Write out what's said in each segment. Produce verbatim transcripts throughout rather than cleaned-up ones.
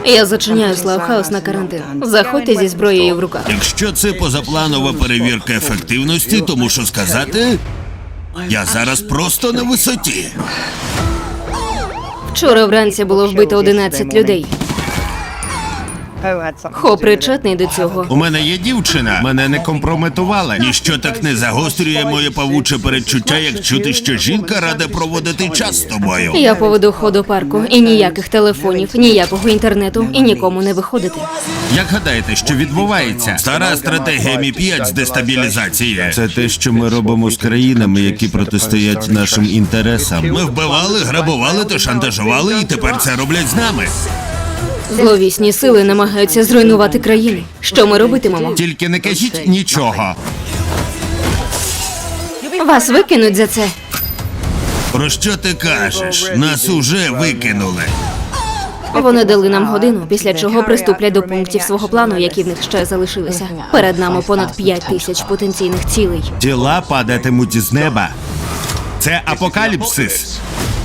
Я зачиняю Славхаус на карантин. Заходьте зі зброєю в руках. Якщо це позапланова перевірка ефективності, то мушу сказати, я зараз просто на висоті. Вчора вранці було вбито одинадцять людей. Хо причетний до цього. У мене є дівчина, мене не компрометували. Ніщо так не загострює моє павуче передчуття, як чути, що жінка рада проводити час з тобою. Я поведу Хо до парку. І ніяких телефонів, ніякого інтернету, і нікому не виходити. Як гадаєте, що відбувається? Стара стратегія Мі п'ять з дестабілізації. Це те, що ми робимо з країнами, які протистоять нашим інтересам. Ми вбивали, грабували та шантажували, і тепер це роблять з нами. Зловісні сили намагаються зруйнувати країни. Що ми робитимемо? Тільки не кажіть нічого. Вас викинуть за це. Про що ти кажеш? Нас уже викинули. Вони дали нам годину, після чого приступлять до пунктів свого плану, які в них ще залишилися. Перед нами понад п'ять тисяч потенційних цілей. Тіла падатимуть з неба. Це апокаліпсис.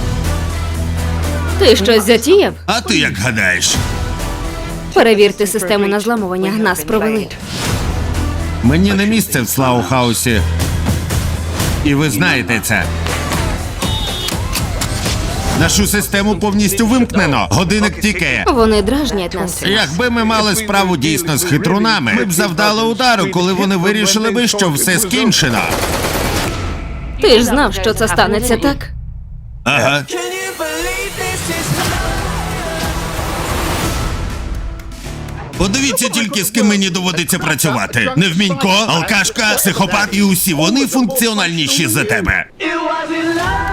Ти щось затіяв? А ти як гадаєш? Перевірте систему на зламування. Нас провели. Мені не місце в Слаухаусі. І ви знаєте це. Нашу систему повністю вимкнено. Годинник тікає. Вони дражнять нас. Якби ми мали справу дійсно з хитрунами, ми б завдали удару, коли вони вирішили би, що все скінчено. Ти ж знав, що це станеться, так? Ага. Подивіться тільки, з ким мені доводиться працювати. Невмінько, алкашка, психопат і усі вони функціональніші за тебе. It wasn't love.